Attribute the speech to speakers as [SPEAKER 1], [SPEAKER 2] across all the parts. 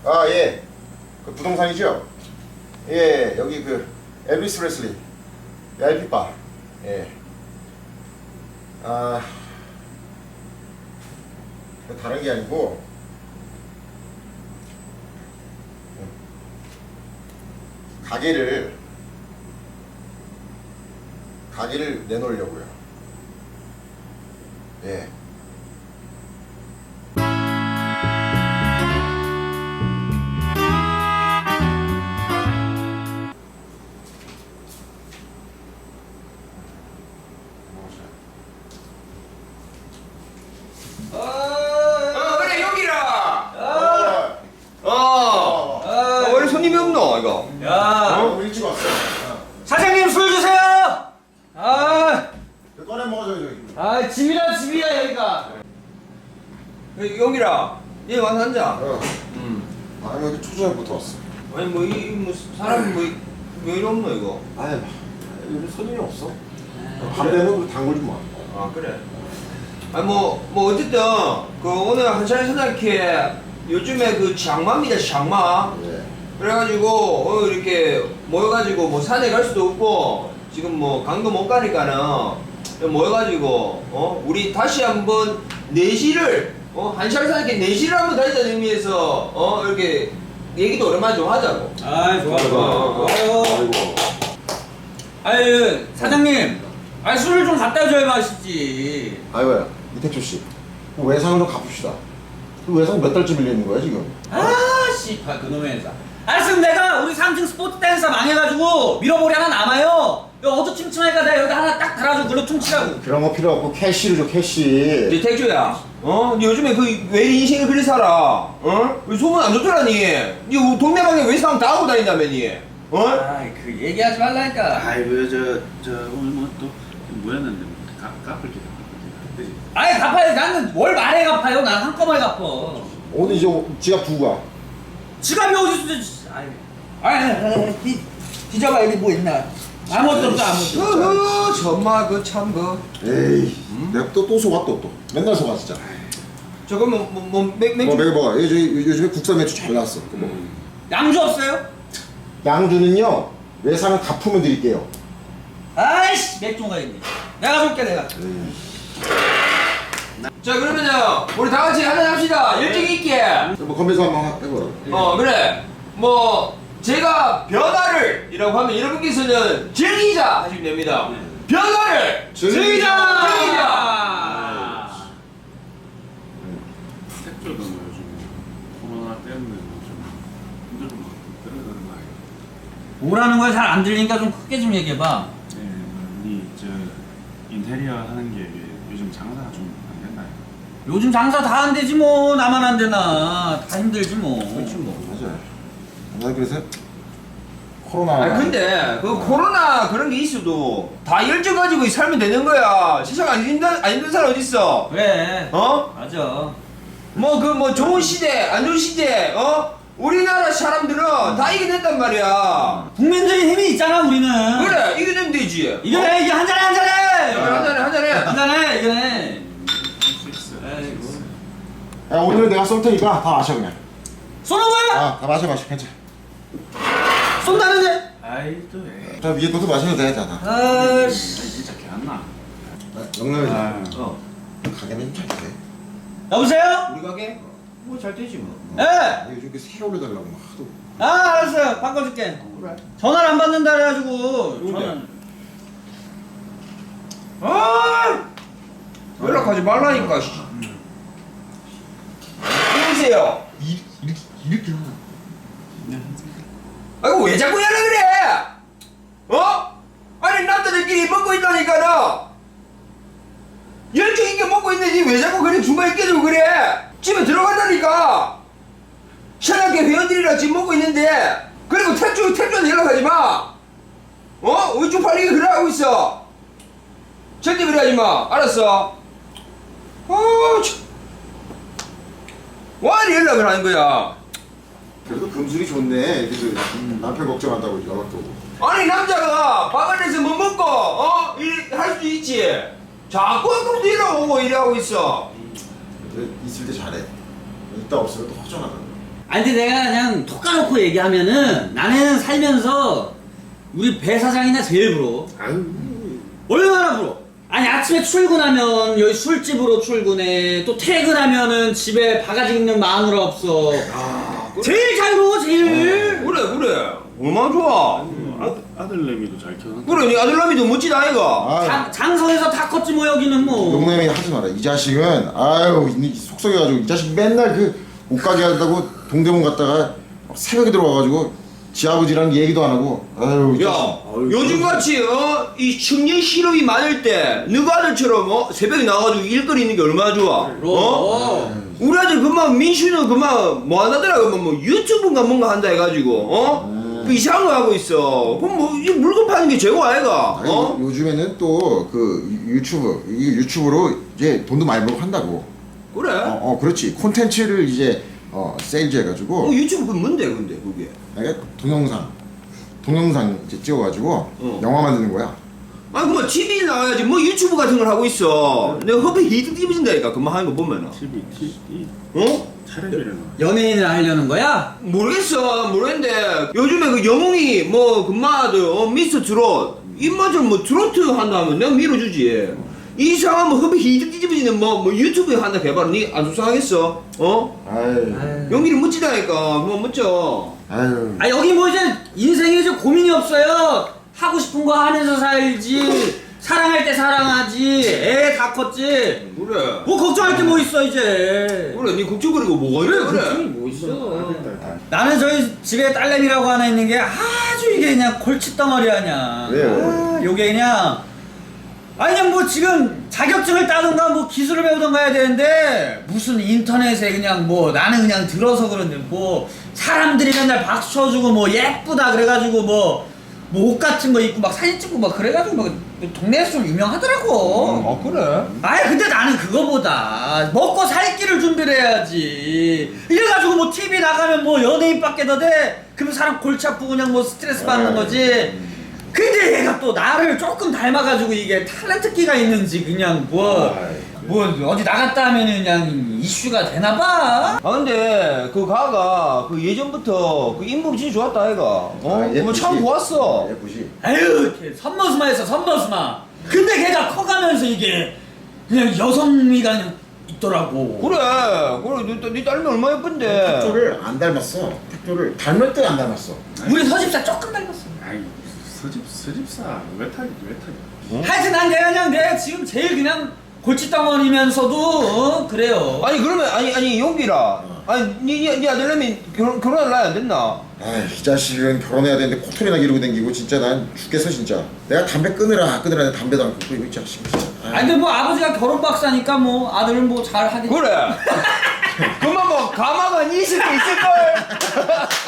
[SPEAKER 1] 아, 예. 그 부동산이죠? 예, 여기 그 엘비스 프레슬리 VIP 바. 예. 아, 다른 게 아니고 가게를 내놓으려고요. 예.
[SPEAKER 2] 그래 여기라.
[SPEAKER 1] 원래
[SPEAKER 2] 손님이 없노 이거?
[SPEAKER 3] 야,
[SPEAKER 1] 일찍 왔어.
[SPEAKER 3] 사장님 술 주세요.
[SPEAKER 1] 꺼내 먹어줘 저기.
[SPEAKER 3] 집이라 집이야 여기가.
[SPEAKER 2] 여기라. 얘 와서 앉아.
[SPEAKER 1] 아니 여기 초저녁부터 왔어.
[SPEAKER 2] 아니 뭐 사람이 왜 이리 없노 이거?
[SPEAKER 1] 아이 요즘 손님이 없어. 밤 되면 단골 좀 와.
[SPEAKER 2] 아 그래. 아니 뭐 어쨌든 그 오늘 한차례 생각해 요즘에 그 장마입니다 장마.
[SPEAKER 1] 예.
[SPEAKER 2] 그래가지고 이렇게 모여가지고 뭐 산에 갈 수도 없고 지금 뭐 강도 못 가니까는 모여가지고 우리 다시 한번 내시를 한차례 생각해 내시를 한번 다니자는 의미에서 이렇게 얘기도 오랜만에 좀 하자고.
[SPEAKER 3] 좋아.
[SPEAKER 1] 아이고.
[SPEAKER 3] 아유 사장님, 술을 좀 갖다 줘야 마시지.
[SPEAKER 1] 아이고야 이택조 씨. 그 외상을 좀 갚읍시다. 그 외상 몇 달째 밀리는 거야 지금?
[SPEAKER 3] 씨발 그놈의 회사. 알았으면 내가 우리 3층 스포츠 댄서 망해가지고 밀어버리 하나 남아요. 여기 어두침침하니까 내가 여기 하나 딱 달아줘. 글로 퉁치라고.
[SPEAKER 1] 그런 거 필요 없고 캐시를 줘 캐시.
[SPEAKER 2] 이제 택조야, 니 요즘에 왜 인생을 그리 살아? 왜 소문 안 좋더라 니? 니 동네방에 외상 다 하고 다닌다며 니?
[SPEAKER 3] 그 얘기하지 말라니까.
[SPEAKER 4] 아이고 저 오늘 뭐 또 뭐였는데 갚을 게 그지?
[SPEAKER 3] 갚아요. 나는 월 말에 갚아요. 난 한꺼번에 갚어.
[SPEAKER 1] 오늘 이제 지갑 두고 가.
[SPEAKER 3] 지갑이 어디 있어? 뒤져봐 여기 뭐 있나? 아무것도 없어 아무것도.
[SPEAKER 2] 정말 참
[SPEAKER 1] 에이. 내가 또 속아 또. 맨날 속아 진짜.
[SPEAKER 2] 저거 맥주.
[SPEAKER 1] 뭐 먹어. 요즘에 국산 맥주 잘 나왔어. 그거 먹어.
[SPEAKER 3] 양주 없어요?
[SPEAKER 1] 양주는요 외상을 갚으면 드릴게요.
[SPEAKER 3] 아이씨 맥주가 있네. 내가 줄게 내가.
[SPEAKER 2] 자 그러면요 우리 다 같이 한잔 합시다. 열정이 있게.
[SPEAKER 1] 뭐 건배사 한번 해보라.
[SPEAKER 2] 그래. 뭐 제가 변화를 이라고 하면 여러분께서는 즐기자 하시면 됩니다. 변화를 즐기자.
[SPEAKER 4] 택조도 뭐 요즘 코로나 때문에 좀 힘들고 막 그런 거 아니에요?
[SPEAKER 3] 뭐라는 거야 잘 안 들리니까 좀 크게 좀 얘기해봐.
[SPEAKER 4] 네, 우리 저 인테리어 하는 게 요즘 장사가 좀 안 된다요.
[SPEAKER 3] 요즘 장사 다 안 되지 뭐. 나만 안 되나. 다 힘들지 뭐.
[SPEAKER 2] 그렇지 뭐.
[SPEAKER 1] 맞아. 나 그래서 코로나.
[SPEAKER 2] 아니 근데 그 코로나 그런 게 있어도 다 열정 가지고 살면 되는 거야. 세상 안 힘든 사람 어디 있어?
[SPEAKER 3] 그래. 맞아.
[SPEAKER 2] 뭐 좋은 시대 안 좋은 시대 우리나라 사람들은 다 이겨낸단 말이야.
[SPEAKER 3] 국민적인 힘이 있잖아 우리는.
[SPEAKER 2] 그래 이겨내면 되지.
[SPEAKER 3] 이겨내 이게 한잔해.
[SPEAKER 2] 한잔해.
[SPEAKER 3] 이겨내.
[SPEAKER 4] 할수 있어.
[SPEAKER 3] 아이고.
[SPEAKER 1] 야 오늘 내가 쏠 테니까 다 마셔 그냥.
[SPEAKER 3] 쏘는 거야?
[SPEAKER 1] 다 마셔 괜찮아.
[SPEAKER 3] 쏜다는데?
[SPEAKER 4] 아이 또 왜?
[SPEAKER 1] 자 위에 것도 마셔도 돼 다.
[SPEAKER 3] 아씨.
[SPEAKER 4] 진짜 개안나.
[SPEAKER 1] 영남에서
[SPEAKER 2] 어.
[SPEAKER 1] 가게는 좀 잘 돼.
[SPEAKER 3] 여보세요?
[SPEAKER 2] 우리 가게? 뭐 잘 되지 뭐.
[SPEAKER 3] 예.
[SPEAKER 1] 요즘 새 올려달라고 막 하도.
[SPEAKER 3] 알았어요. 바꿔줄게.
[SPEAKER 2] 그래.
[SPEAKER 3] 전화를 안 받는다 그래가지고.
[SPEAKER 2] 누군데? 연락하지 말라니까. 누구세요?
[SPEAKER 1] 이렇게 하나.
[SPEAKER 2] 아이고 왜 자꾸 연락을 해? 아니 남자들끼리 먹고 있다니까는 열정 있게 먹고 있는데 왜 자꾸 그래 중간에 끼들고 그래? 집에 들어간다니까. 신학교 회원들이랑 지금 먹고 있는데 그리고 택조한테 연락하지 마. 우리 쪽팔리게 그래 하고 있어. 절대 그래 하지 마. 알았어? 참. 왜 이렇게 연락을 하는 거야?
[SPEAKER 1] 그래도 금술이 좋네. 그래서 남편 걱정한다고 연락도 오고.
[SPEAKER 2] 아니 남자가 방 안에서 뭐 먹고 할 수 있지. 자꾸 아까부터 이러고 오고 이래하고 있어.
[SPEAKER 1] 그래, 있을 때 잘해. 있다 없으면 또 허전하다.
[SPEAKER 3] 아니 근데 내가 그냥 톡 까놓고 얘기하면은 나는 살면서 우리 배 사장이나 제일 부러워.
[SPEAKER 4] 아유
[SPEAKER 3] 얼마나 부러워. 아니 아침에 출근하면 여기 술집으로 출근해. 또 퇴근하면은 집에 바가지 있는 마누라 없어. 제일 자유로워 제일.
[SPEAKER 2] 그래 얼마나 좋아.
[SPEAKER 4] 아들내미도 잘 키워놨다.
[SPEAKER 2] 그래 니 아들남이도 멋지다 아이가.
[SPEAKER 1] 아,
[SPEAKER 3] 장성에서 다 컸지 뭐 여기는 뭐.
[SPEAKER 1] 용남이 하지 마라. 이 자식은 아유 속썩여가지고 이 자식 맨날 그 옷 가게 한다고 동대문 갔다가 막 새벽에 들어와가지고 지 아버지랑 얘기도 안 하고 아유 이
[SPEAKER 2] 야
[SPEAKER 1] 자식.
[SPEAKER 2] 요즘같이 이 청년 실업이 많을 때 너희 아들처럼 새벽에 나가가지고 일거리 있는 게 얼마나 좋아. 우리 아들 그만 민수는 그만 뭐 하나더라 그만 뭐 유튜브인가 뭔가 한다 해가지고 그 이상한 거 하고 있어. 그럼 뭐 이 물건 파는 게 최고 아이가.
[SPEAKER 1] 아니, 요즘에는 또 그 유튜브로 이제 돈도 많이 벌고 한다고.
[SPEAKER 2] 그래.
[SPEAKER 1] 그렇지. 콘텐츠를 이제 세일즈 해가지고
[SPEAKER 2] 유튜브 그 뭔데 근데 그게.
[SPEAKER 1] 내가 동영상 이제 찍어가지고 영화 만드는 거야.
[SPEAKER 2] 아니 그만 TV 나와야지 뭐 유튜브 같은 걸 하고 있어. 내가 허브에 히트 뒤집어진다니까 그만 하는 거 보면은.
[SPEAKER 4] TV 텔레비를
[SPEAKER 3] 연예인을 하려는 거야?
[SPEAKER 2] 모르겠는데 요즘에 그 영웅이 뭐 금마들 미스터 트롯 입맛을 뭐 트로트 한다면 내가 밀어주지. 이상한 뭐 허브 히트 뒤집어지는 뭐 유튜브에 한다 개발은 니안 속상하겠어?
[SPEAKER 1] 아유.
[SPEAKER 2] 연기를 멋지다니까 뭐 멋져.
[SPEAKER 1] 아유.
[SPEAKER 3] 아 여기 뭐 이제 인생에 이제 고민이 없어요. 하고 싶은 거 하면서 살지. 사랑할 때 사랑하지. 애 다 컸지.
[SPEAKER 2] 그래.
[SPEAKER 3] 뭐 걱정할 게 뭐 있어 이제.
[SPEAKER 2] 그래 니 걱정거리고 뭐가
[SPEAKER 3] 그래
[SPEAKER 2] 있어
[SPEAKER 3] 걱정이 뭐 있어. 나는 저희 집에 딸내미라고 하나 있는 게 아주 이게 그냥 골칫덩어리 아냐.
[SPEAKER 1] 왜요?
[SPEAKER 3] 요게 그냥 아니 그냥 뭐 지금 자격증을 따든가 뭐 기술을 배우든가 해야 되는데 무슨 인터넷에 그냥 뭐 나는 그냥 들어서 그런데 뭐 사람들이 맨날 박수 쳐주고 뭐 예쁘다 그래가지고 뭐 옷 같은 거 입고 막 사진 찍고 막 그래가지고 막 동네에서 좀 유명하더라고.
[SPEAKER 2] 그래.
[SPEAKER 3] 아이 근데 나는 그거보다 먹고 살 길을 준비를 해야지. 이래가지고 뭐 TV 나가면 뭐 연예인밖에 더 돼. 그러면 사람 골치 아프고 그냥 뭐 스트레스 받는 거지. 근데 얘가 또 나를 조금 닮아가지고 이게 탤런트기가 있는지 그냥 뭐 어디 나갔다 하면은 그냥 이슈가 되나봐.
[SPEAKER 2] 아 근데 그 가가 그 예전부터 그 인물이 진짜 좋았다 아이가.
[SPEAKER 1] 예쁘지.
[SPEAKER 2] 참 좋았어.
[SPEAKER 1] 예쁘지.
[SPEAKER 3] 아유 이렇게 선머스마 했어 선머스마. 근데 걔가 커가면서 이게 그냥 여성미가 그냥 있더라고.
[SPEAKER 2] 그래 네 딸면 얼마나 예쁜데.
[SPEAKER 1] 팩조를 안 닮았어. 팩조를 닮을 때 안 닮았어.
[SPEAKER 3] 우리 서집사 조금 닮았어.
[SPEAKER 4] 아이 서집사 왜 타기?
[SPEAKER 3] 하여튼 난 내가 지금 제일 그냥 골칫덩어리면서도 그래요.
[SPEAKER 2] 아니 그러면 아니 용기라. 아니 네 아들내미 결혼할 나이 안 됐나?
[SPEAKER 1] 아이 자식은 결혼해야 되는데 코털이나 기르고 댕기고 진짜 난 죽겠어 진짜. 내가 담배 끊으라 담배도 안 끊고 이 자식 진짜.
[SPEAKER 3] 아니 근데 뭐 아버지가 결혼 박사니까 뭐 아들은 뭐 잘 하겠지.
[SPEAKER 2] 그래. 그만 뭐 가마가 20개 있을걸.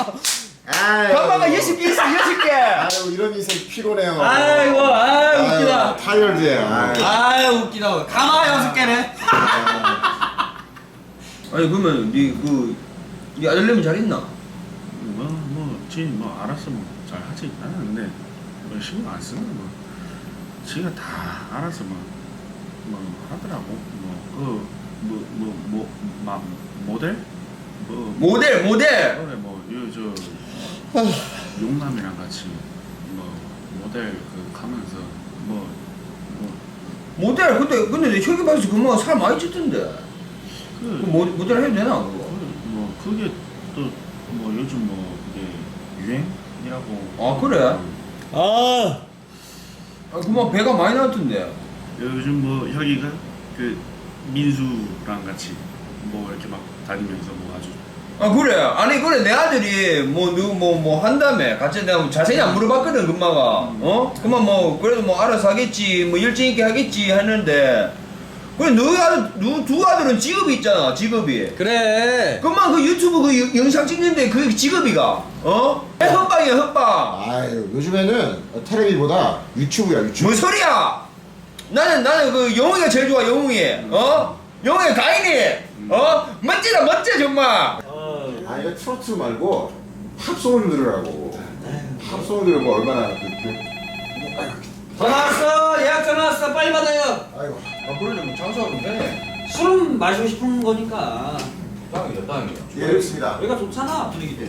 [SPEAKER 2] 가마가 20개 있어 20개.
[SPEAKER 1] 아유 이런 인생 피곤해요.
[SPEAKER 3] 아이고 웃기다.
[SPEAKER 1] 타이어드야.
[SPEAKER 3] 아유 웃기다. 가마 6개네.
[SPEAKER 2] 아니 그러면 네 아들내미 잘 있나?
[SPEAKER 4] 뭐 알아서 뭐 잘 하지. 나는 근데 뭐 신경 안 쓰는 뭐 지가 다 알아서 뭐 하더라고. 모델?
[SPEAKER 2] 모델.
[SPEAKER 4] 그래 용남이랑 같이 모델 가면서
[SPEAKER 2] 모델 근데 내 혁이 봐서 그만 살 많이 찌던데. 모델 해도 되나 그거?
[SPEAKER 4] 그게 또 요즘 그게 유행이라고.
[SPEAKER 2] 아 그래? 아 그만 배가 많이 나왔던데.
[SPEAKER 4] 요즘 혁이가 그 민수랑 같이 이렇게 막 다니면서 아주.
[SPEAKER 2] 아 그래. 아니 그래 내 아들이 뭐 한다며 같이 내가 자세히 안 물어봤거든 금마가. 그만 그래도 알아서 하겠지 열정 있게 하겠지 했는데 그래 두 아들은 직업이 있잖아 직업이.
[SPEAKER 3] 그래.
[SPEAKER 2] 그만 그 유튜브 그 영상 찍는데 그 직업이가 헛방이야 헛방.
[SPEAKER 1] 아유 요즘에는 텔레비보다 유튜브야 유튜브.
[SPEAKER 2] 뭔 소리야? 나는 그 영웅이가 제일 좋아 영웅이. 영웅이 가인이. 멋져 정말.
[SPEAKER 1] 아 이거 트로트 말고 팝송을 좀 들으라고. 팝송을 들으면 얼마나
[SPEAKER 3] 전화 왔어. 예약 전화 왔어. 빨리 받아요.
[SPEAKER 1] 아이고.
[SPEAKER 2] 그러려면 장사하면 되네.
[SPEAKER 3] 술은 마시고 싶은 거니까.
[SPEAKER 2] 땅이야 땅이야.
[SPEAKER 1] 예, 알겠습니다.
[SPEAKER 3] 여기가 좋잖아 분위기도.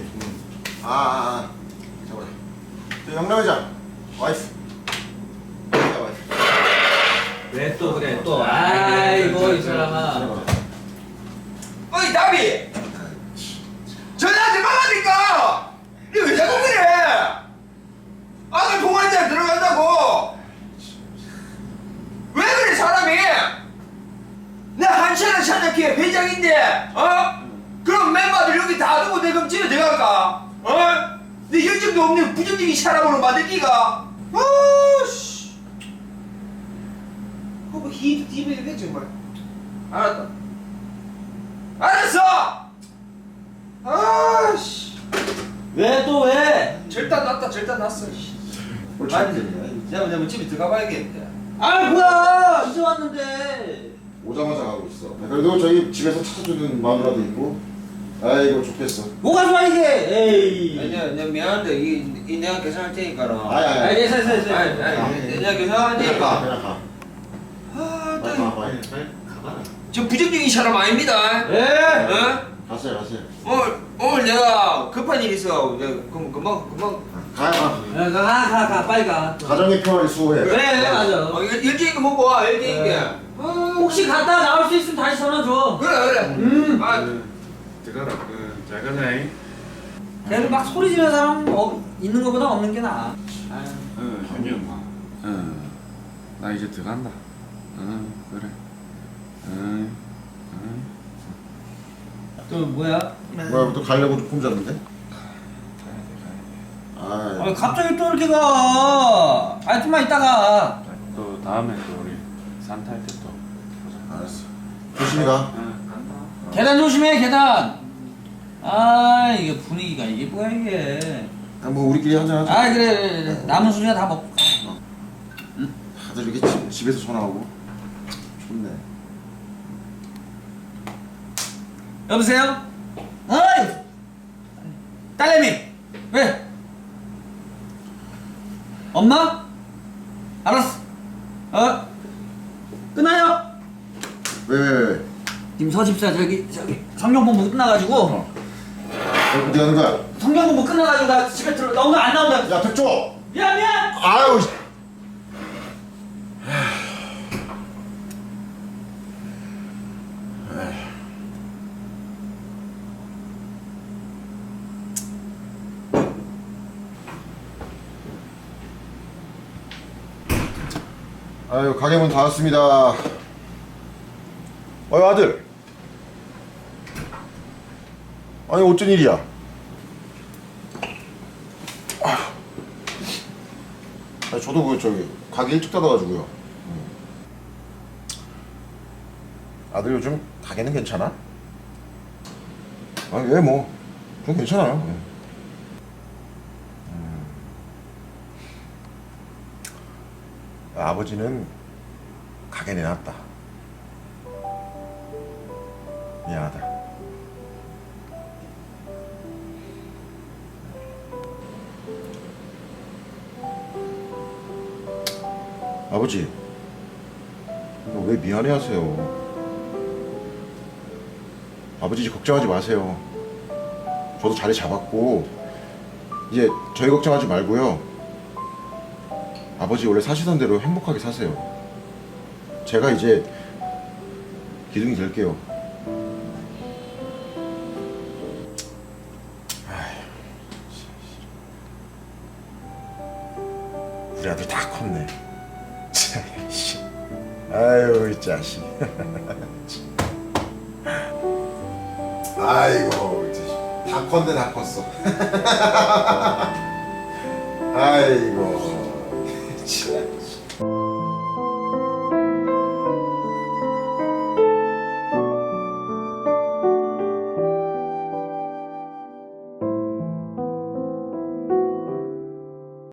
[SPEAKER 1] 잡아라. 저 영남회장 와이프. 야, 와이프.
[SPEAKER 3] 왜 또 그래 또. 아이고 이 사람아.
[SPEAKER 2] 어이 나비. 전화하지 말라니까. 니 왜 자꾸 그래? 아들 동아리에 들어간다고. 왜 그래 사람이? 내 한시나 찬약회 회장인데 그럼 멤버들 여기 다 두고 내 그럼 집에 들어갈까? 내 열정도 없는 부정적인 사람으로 만들 기가 아씨 뭐 히트 디베이네 정말. 알았다 알았어. 아씨
[SPEAKER 3] 왜 또 왜?
[SPEAKER 2] 절단 났다 절단 났어. 내가 집에 들어가 봐야겠는데.
[SPEAKER 3] 아 뭐야 이제 왔는데.
[SPEAKER 1] 오자마자 가고 있어. 그래도 저희 집에서 찾아주는 마누라도 있고. 아이고 좋겠어.
[SPEAKER 3] 뭐가 좋아 이게? 에이.
[SPEAKER 2] 아니야 내가 미안한데 이 내가 계산할 테니까는.
[SPEAKER 1] 아니.
[SPEAKER 3] 됐어.
[SPEAKER 2] 내가 계산할 테니까.
[SPEAKER 1] 그냥 가.
[SPEAKER 2] 아,
[SPEAKER 1] 빨리 가. 빨리 가봐라.
[SPEAKER 2] 저 부정적인 사람 아닙니다.
[SPEAKER 3] 예.
[SPEAKER 1] 가세요.
[SPEAKER 2] 오늘 내가 급한 일 있어. 내가 금방
[SPEAKER 1] 가.
[SPEAKER 3] 빨리 가.
[SPEAKER 1] 가정의 평화를 수호해.
[SPEAKER 3] 그래 맞아.
[SPEAKER 2] 일찍이 먹고 와 일찍이.
[SPEAKER 3] 혹시 갔다 나올 수 있으면 다시 전화 줘.
[SPEAKER 2] 그래. 아
[SPEAKER 4] 들어가라. 잘 가자잉.
[SPEAKER 3] 걔를 막 소리 지르는 사람 있는 것보다 없는 게 나아.
[SPEAKER 4] 현이 엄마. 나 이제 들어간다. 그래.
[SPEAKER 3] 또 뭐야?
[SPEAKER 1] 뭐야 또 가려고 폼 잡는데?
[SPEAKER 3] 아 갑자기 또 이렇게 가. 아 좀만 이따가.
[SPEAKER 4] 또 다음에 또 우리 산타 할 때 또 보자.
[SPEAKER 1] 알았어. 조심히 가.
[SPEAKER 4] 간다.
[SPEAKER 3] 계단 조심해 계단. 아 이게 분위기가 이게 뭐야 이게.
[SPEAKER 1] 뭐 우리끼리 한잔 하자.
[SPEAKER 3] 아 그래. 남은 술이나 다 먹고 가.
[SPEAKER 1] 다들 이렇게 집에서 전화하고. 좋네.
[SPEAKER 3] 여보세요? 어이! 딸내미! 왜? 엄마? 알았어. 끊어요?
[SPEAKER 1] 왜?
[SPEAKER 3] 지금 서집사 저기 성경본부 끝나가지고
[SPEAKER 1] 어디 가는 거야?
[SPEAKER 3] 성경본부 끝나가지고 나 집에 나온다 안 나온다.
[SPEAKER 1] 야 백조!
[SPEAKER 3] 미안.
[SPEAKER 1] 아유. 아유 가게 문 닫았습니다. 어이 아들. 아니 어쩐 일이야? 아니 저도 그 저기 가게 일찍 닫아가지고요. 아들 요즘 가게는 괜찮아? 아니 왜 뭐 좀 괜찮아요. 아버지는 가게 내놨다. 미안하다. 아버지, 왜 미안해하세요? 아버지 걱정하지 마세요. 저도 자리 잡았고 이제 저희 걱정하지 말고요. 아버지 원래 사시던 대로 행복하게 사세요. 제가 이제 기둥이 될게요. 우리 아들 다 컸네. 아유 이 자식. 아이고 다 컸네 다 컸어. 아이고 참.